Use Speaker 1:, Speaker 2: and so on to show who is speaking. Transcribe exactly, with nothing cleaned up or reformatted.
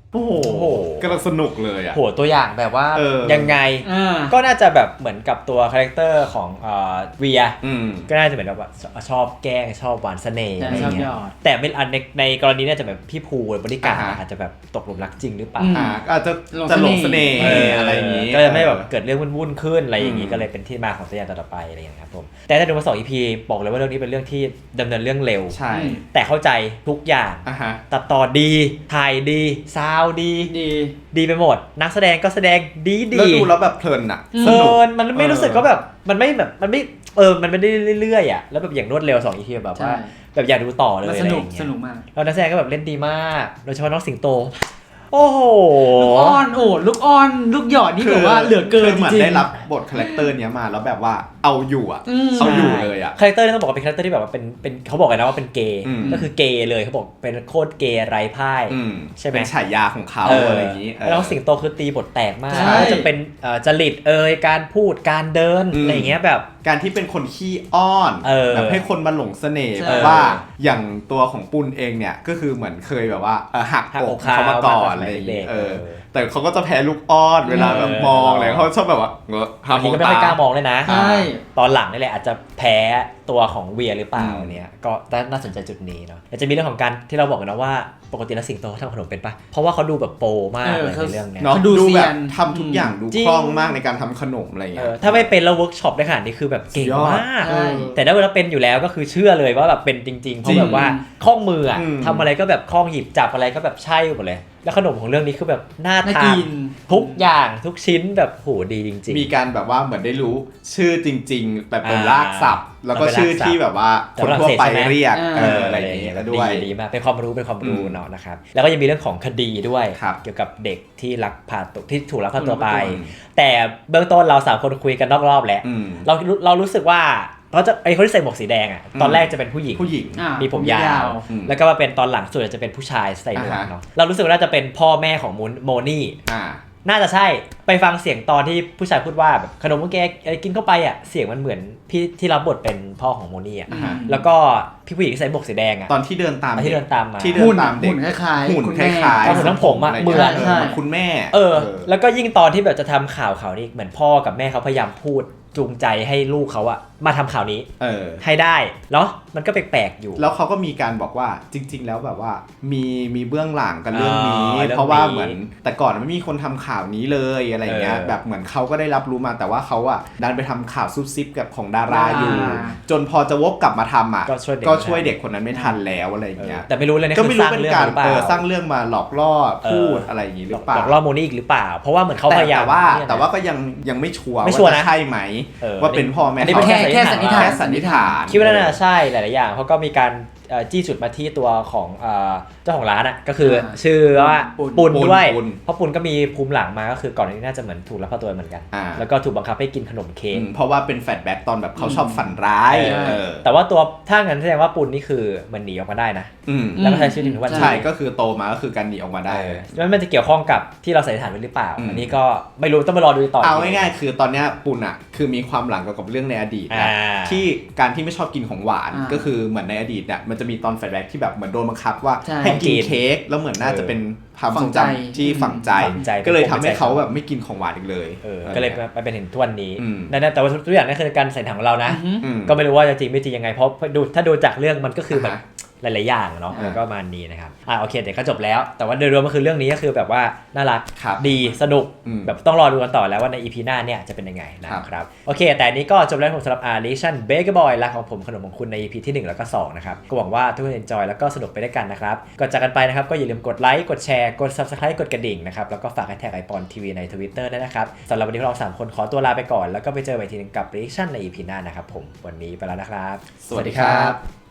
Speaker 1: โอ้โหกำลังสนุกเลยอ่ะ
Speaker 2: โหตัวอย่างแบบว่ายังไงก็น่าจะแบบเหมือนกับตัวคาแรคเตอร์ของเอ่อเวียก็น่าจะเหมือนแบบว่าชอบแกล้งชอบหวานเสน่ห์อะไรเงี้ยแต่เป็นอันในในกรณีเนี่ยจะแบบพี่ภูบริการอาจจะแบบตกหลุมรักจริงหรือเปล่า
Speaker 1: อาจจะจะหลงเสน่ห์อะไรอย่างนี้
Speaker 2: ก็จะไม่แบบเกิดเรื่องวุ่นๆขึ้นอะไรอย่างนี้ก็เลยเป็นที่มาของตัวอย่างต่อไปอะไรอย่างนี้ครับผมแต่ถ้าดูมาสอง อี พี บอกเลยว่าเรื่องนี้เป็นเรื่องที่ดำเนินเรื่องเร็ว
Speaker 1: ใช่
Speaker 2: แต่เข้าใจทุกอย่างตัดต่อดีถ่ายดีซาวดี
Speaker 3: ดี
Speaker 2: ดีไปหมดนักแสดงก็แสดงดีดี
Speaker 1: แล้วดูแล้วแบบเพลินอ่ะ
Speaker 2: เพลินมันไม่รู้สึกก็แบบมันไม่แบบมันไม่เออมันไม่ได้เรื่อยๆอ่ะแล้วแบบอย่างรวดเร็วสอง อี พี แบบว่าแบบอยากดูต่อเลย
Speaker 3: สนุกสนุกมาก
Speaker 2: แล้วนักแสดงก็แบบเล่นดีมากโดยเฉพาะน้องสิงโตโอ้โห
Speaker 3: ลูกอ้อนโอ้ลูกอ้อนลูกหยอดนี่แบบว่าเหลือเกินจริงๆ
Speaker 1: เหมือนได้รับบทคาแรคเตอร์เนี้ยมาแล้วแบบว่าเอาอยู่อ่ะเอาอยู่เลยอ่ะ
Speaker 2: คาแรคเตอร์นี่ต้องบอกว่าเป็นคาแรคเตอร์ที่แบบว่าเป็นเป็นเขาบอกกันนะว่าเป็นเกย์ก็คือเกย์เลยเขาบอกเป็นโคตรเกย์ไร้พ่ายใช่ไหม
Speaker 1: เป็นฉายาของเขาอะไรอย่างนี้
Speaker 2: แล้วสิงโตคือตีบทแตกมากจะเป็นจริตเอ่ยการพูดการเดินอะไรอย่างเงี้ยแบบ
Speaker 1: การที่เป็นคนขี้อ้อนแบบให้คนมาหลงเสน่ห์แบบว่าอย่างตัวของปุณเองเนี่ยก็คือเหมือนเคยแบบว่าหักอกเขามาก่อนอะไรอย่างเงี้ยเออแต่เขาก็จะแพ้ลูกอ้อนเวลาแบบมองอะไรเขาชอบแบบว่าเงอะ
Speaker 2: บางทีก็ไม่ค่อยกล้ามองเลยนะตอนหลังนี่แหละอาจจะแพ้ตัวของเวียหรือเปล่าเนี่ยก็น่าสนใจจุดนี้เนาะจะมีเรื่องของการที่เราบอกกันนะว่าปกติแล้วสิงโตเขาทำขนมเป็นปะเพราะว่าเขาดูแบบโปรมากเลยในเรื่องนี้
Speaker 1: เขาดูแบบทำทุกอย่างดูคล่องมากในการทำขนมอะไรเงี้ย
Speaker 2: ถ้าไม่เป็นแล้วเวิร์กช็อปได้ขนาดนี้คือแบบเก่งมากแต่ถ้าเวลาเป็นอยู่แล้วก็คือเชื่อเลยว่าแบบเป็นจริงๆเพราะแบบว่าคล่องมืออะทำอะไรก็แบบคล่องหยิบจับอะไรก็แบบใช่หมดเลยแล้วขนมของเรื่องนี้คือแบบน่าทานทุกอย่างทุกชิ้นแบบโหดีจริง
Speaker 1: ๆมีการแบบว่าเหมือนได้รู้ชื่อจริงๆแบบเป็นรากศัพท์แล้วก็ชื่อที่แบบว่าคนทั่วไปเรียกอะไรอย่างเงี้ยด้วย
Speaker 2: ดีมากเป็นความรู้เป็นความรู้เนาะนะครับแล้วก็ยังมีเรื่องของคดีด้วยเกี่ยวกับเด็กที่ลักพาตัวที่ถูกลักพาตัวไปแต่เบื้องต้นเราสามคนคุยกันนอกรอบแล้วเราเรารู้สึกว่าเขาจะไอ้คนที่ใส่หมวกสีแดงอ่ะตอนแรกจะเป็นผู้หญิง
Speaker 1: ผู้หญิง
Speaker 2: มีผมยาวแล้วก็มาเป็นตอนหลังสุดจะเป็นผู้ชายใส่หมวกเนาะเรารู้สึกว่าน่าจะเป็นพ่อแม่ของโมนี่น่าจะใช่ไปฟังเสียงตอนที่ผู้ชายพูดว่าแบบขนมเมื่อกี้กินเข้าไปอ่ะเสียงมันเหมือนพี่ที่รับบทเป็นพ่อของโมนี่อ่ะแล้วก็พี่ผู้หญิงใส่หมวกสีแดงอ่ะ
Speaker 1: ตอนที่เดินตาม
Speaker 2: ที่เดินตามมา
Speaker 1: ที่เดินตามเด็ก
Speaker 3: หุ่นคล้ายๆ
Speaker 1: หุ่นคล้าย
Speaker 2: ๆหุ่นทั้งผมอ่ะเหมือน
Speaker 1: คุณแม่
Speaker 2: เออแล้วก็ยิ่งตอนที่แบบจะทำข่าวข่าวนี้เหมือนพ่อกับแม่เขาพยายามพูดจูงใจให้ลูกเขาอะมาทำข่าวนี้ให้ได้เนาะมันก็แปลกๆอยู่
Speaker 1: แล้วเขาก็มีการบอกว่าจริงๆแล้วแบบว่ามีมีเบื้องหลังกันเรื่องนี้เพราะว่าเหมือนแต่ก่อนไม่มีคนทำข่าวนี้เลยอะไรเงี้ยแบบเหมือนเขาก็ได้รับรู้มาแต่ว่าเขาอะดันไปทำข่าวซุบซิบกับของดาราอยู่จนพอจะวกกลับมาทำอะก็ช่วยเด็กคนนั้นไม่ทันแล้วอะไรเงี้ย
Speaker 2: แต่ไม่รู้เลยนะ
Speaker 1: ก็ไม่รู้เป็นการสร้างเรื่องมาหลอกล่อพูดอะไรอย่างนี้หรือเปล่า
Speaker 2: หลอกล่อโมนี่อีกหรือเปล่าเพราะว่าเหมือนเขาพยายาม
Speaker 1: แต่ว่าแต่ว่าก็ยังยังไม่ชัวร์ว่าใช่ไหมว่าเป็นพ่อแม่
Speaker 2: เขา
Speaker 3: แค่แค่สันนิษฐาน
Speaker 1: แค่สันนิษฐาน
Speaker 2: คิดว่าน่าจะใช่หลายๆอย่างเพราะก็มีการจี้จุดมาที่ตัวของเจ้าของร้านอ่ะก็คือชื่อว่าปุณด้วยเพราะปุณก็มีภูมิหลังมาก็คือก่อนหน้านี้น่าจะเหมือนถูกลักพาตัวเหมือนกันแล้วก็ถูกบังคับให้กินขนมเค้ก
Speaker 1: เพราะว่าเป็นแฟลชแบ็กตอนแบบเขาชอบฝันร้าย
Speaker 2: แต่ว่าตัวถ้างั้นแสดงว่าปุณนี่คือมันหนีออกมาได้นะแล้วก็ใช้ชีวิตถึงวัน
Speaker 1: ใช่ก็คือโตมาก็คือการหนีออกมาได้
Speaker 2: แล้วมันจะเกี่ยวข้องกับที่เราสันนิษฐานไว้หรือเปล่าอันนี้ก็ไม่รู้ต้องไปรอดูต่อ
Speaker 1: เอาง่ายๆคือตอนนี้ปุณอ่ะคือมีความหลังเกี่ยวกับเรื่องในอดีตนะที่การที่ไม่ชอบกินของหวานก็คือเหมือนในอดีตเนี่ยมันจะมีตอนแฟลชแบ็กที่แบบเหมือนโดนบังคับว่าให้กินเค้กแล้วเหมือนน่าจะเป็นความทรงจำที่ฝังใจก็เลยทำให้เขาแบบไม่กินของหวานอีกเลย
Speaker 2: ก็เลยไปเป็นถึงทุกวันนี้นั่นแต่ว่าทุกอย่างนั่นคือการใส่ถังของเรานะก็ไม่รู้ว่าจะจริงไม่จริงยังไงเพราะดูถ้าดูจากเรื่องมันก็คือแบบหลายๆอย่างเนาะก็มานี้นะครับอ่าโอเคเดี๋ยวก็จบแล้วแต่ว่าโดยรวมก็คือเรื่องนี้ก็คือแบบว่าน่ารักดีสนุกแบบต้องรอดูกันต่อแล้วว่าใน อี พี หน้าเนี่ยจะเป็นยังไงนะครับโอเคแต่นี้ก็จบแล้วผมสำหรับ Alition Baker Boy รักของผมขนมของคุณใน อี พี ที่หนึ่งแล้วก็สองนะครับก็หวังว่าทุกคน enjoy แล้วก็สนุกไปด้วยกันนะครับก่อนจากกันไปนะครับก็อย่าลืมกดไลค์กดแชร์กด Subscribe กดกระดิ่งนะครับแล้วก็ฝากแฮชแท็กไอปอนทีวีใน Twitter ด้วยนะครับสำหรับวันนี้พวกเราสามคนขอตัวลาไปก่อนแล้วก็ไปเจอกันอีกทีนึงกับ Reaction ใน อี พี หน้านะครับผมวันนี้ไปแล้วนะครับ
Speaker 1: สวัสดีครับ